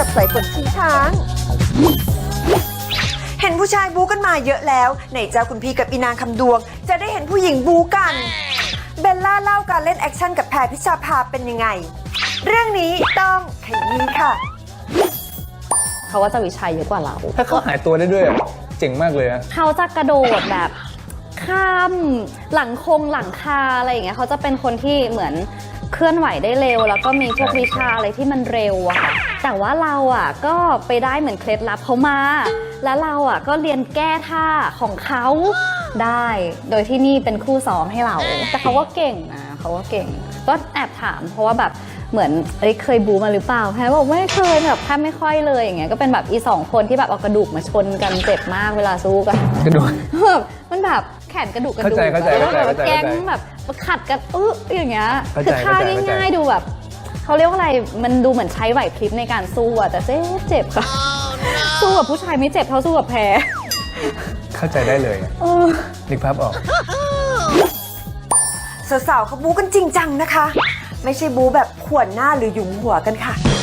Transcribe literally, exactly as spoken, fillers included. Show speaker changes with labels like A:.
A: สายฝนทิ้งช้างเห็นผู้ชายบู๊กันมาเยอะแล้วไหนเจ้าคุณพี่กับอีนางคำดวงจะได้เห็นผู้หญิงบู๊กันเบลล่าเล่าการเล่นแอคชั่นกับแพรพิชาภาเป็นยังไงเรื่องนี้ต้องขยี้ค่ะ
B: เขาว่าจะวิชัยเยอะกว่าเรา
C: ถ้าเขาหายตัวได้ด้วยเจ๋งมากเลยอะ
B: เขาจะกระโดดแบบข้ามหลังคงหลังคาอะไรอย่างเงี้ยเขาจะเป็นคนที่เหมือนเคลื่อนไหวได้เร็วแล้วก็มีพวกวิชาอะไรที่มันเร็วอะค่ะแต่ว่าเราอะก็ไปได้เหมือนเคล็ดลับเขามาแล้วเราอะก็เรียนแก้ท่าของเขาได้โดยที่นี่เป็นคู่ซ้อมให้เราแต่เขาก็เก่งนะเขาก็เก่งก็แอบถามเพราะว่าแบบเหมือนเอ้ยเคยบูมาหรือเปล่าแพรบอกไม่เคยแบบแทบไม่ค่อยเลยอย่างเงี้ยก็เป็นแบบอีสองคนที่แบบเอากระดูกมาชนกันเจ็บมากเวลาสู้กัน
C: กระดูก
B: แบบมันแบบแขนกระดูกกระดูกแล้วแบบแก๊งแบบขัดกันอื้ออย่างเงี้ยคือท่าง่ายๆดูแบบเขาเรียกว่าอะไรมันดูเหมือนใช้ไหวพริบในการสู้อะแต่เจ็บเจ็บค่ะสู้กับผู้ชายไม่เจ็บเท่าสู้กับแพร
C: เข้าใจได้เลยนึกภาพออก
A: สาวๆเขาบู๊กันจริงจังนะคะไม่ใช่บู๊แบบขวนหน้าหรือหยุมหัวกันค่ะ